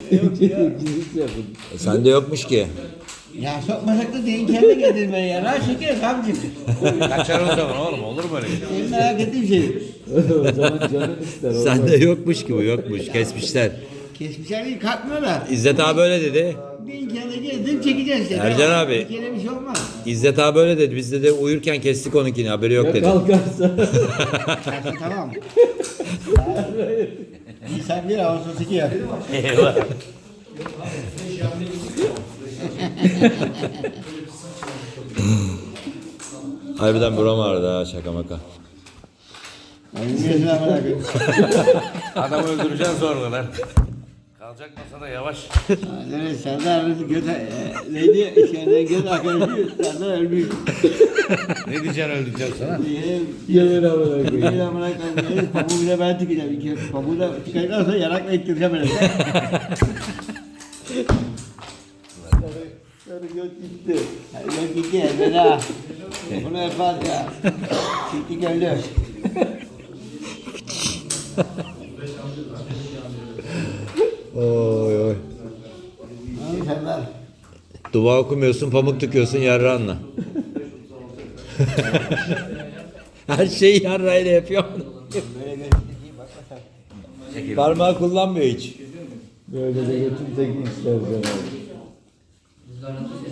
Sende yokmuş ki. Ya sokmasak da deyin kendine getirme ya. Rahat şeker kamcı. Kaçar o zaman oğlum, olur mu öyle şey? Benim merak ettiğim şey. O zaman canın ister. Sende yokmuş ki bu, yokmuş. Kesmişler. Kesmişler değil kalkmıyor da. İzzet abi öyle dedi. Deyin kendine getirdim çekeceğiz işte. Ercan abi. Bir kere bir şey olmaz. İzzet abi öyle dedi. Biz de uyurken kestik onunkini. Haberi yok Ya dedi. kalkarsa. Kalsın tamam. Nisan 1 Ağustos 2 ya. Eyvah. Harbiden buram ağrıdı ha, şaka maka. Bilmiyorsun amına koyayım. Adamı öldüreceksin sonra lan. Kalacak masada yavaş. Evet Serdar neydi? İçeriden göz arkadaşı Serdar ölmüş. Ne diyeceksin öldüreceğim sana? Gelir amına koyayım. Benim amına koyayım. Pamuğu bile ben tıkacağım. Pamuğu da tıkadıktan sonra yanakla ittireceğim öyle. Sarı göt gitti. Göt gitti elveda. Bunu yapar ya. Çıktı öldü. Oy oy. Abi Serdar. Dua okumuyorsun, pamuk tıkıyorsun yarranla. Her şeyi yarrayla yapıyor. Böyle göstereyim bak bakalım. Parmağı kullanmıyor hiç. Böyle de götüm tek ister canım.